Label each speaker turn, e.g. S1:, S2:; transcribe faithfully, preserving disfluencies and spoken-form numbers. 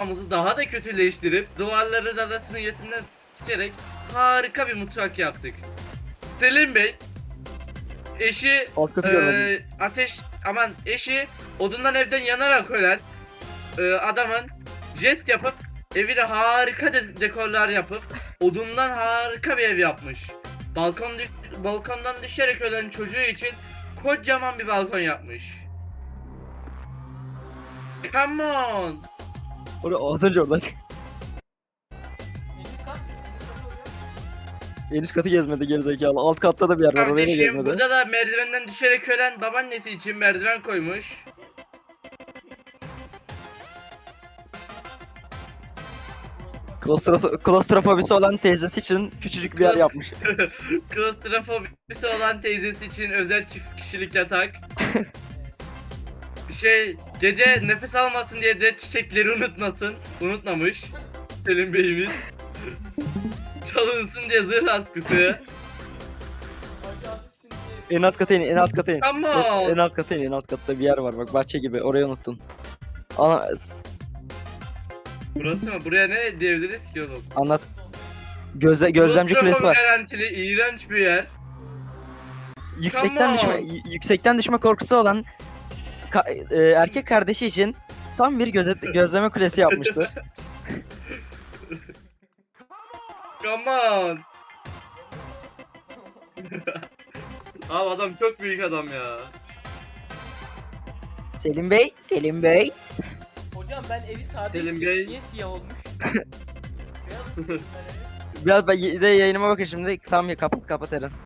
S1: mutfağımızı daha da kötüleştirip duvarların arasını yetimden seçerek harika bir mutfak yaptık. Selim Bey eşi
S2: Alt katı
S1: e,
S2: görmedim.
S1: ateş aman eşi odundan evden yanarak ölen e, adamın jest yapıp evine harika de- dekorlar yapıp odundan harika bir ev yapmış. Balkon düş- balkondan düşerek ölen çocuğu için kocaman bir balkon yapmış. Come on.
S2: Orada az önce oradan.
S3: En üst kat. En üst kat oluyor.
S2: En üst katı gezmedi gerizekalı. Alt katta da bir yer var, orayı da
S1: Kardeşim
S2: gezmedi.
S1: burada da merdivenden düşerek ölen babaannesi için merdiven koymuş.
S3: Burası
S2: Klostros klostrofobisi olan teyzesi için küçücük bir yer yapmış.
S1: Klostrofobisi olan teyzesi için özel çift kişilik yatak. Şey gece nefes almasın diye de çiçekleri unutmasın. Unutmamış. Selim Bey'imiz. Çalınsın diye zırh askısı.
S3: Hacı Ateş şimdi
S2: En alt kata in, en alt kata in.
S1: Come
S2: En, en
S1: on.
S2: alt kata in, en alt katta bir yer var bak, bahçe gibi, orayı unuttun. Ana,
S1: Burası mı? Buraya ne diyebiliriz ki oğlum?
S2: anlat. Gözle, gözlemci kulesi
S1: Klostrofobi
S2: var.
S1: garantili iğrenç bir yer.
S2: Yüksekten
S1: on.
S2: düşme, y- yüksekten düşme korkusu olan ka- e, erkek kardeşi için tam bir gözet, gözleme kulesi yapmıştır.
S1: Come on. Abi adam çok büyük adam ya.
S2: Selim Bey, Selim Bey.
S3: hocam ben evi sade
S1: Selim
S3: istiyorum.
S1: Bey.
S3: Niye siyah olmuş? Beyaz istiyorum ben evi.
S2: Biraz ben de yayınıma bakın şimdi. Tamam ya, kapat kapat Eren.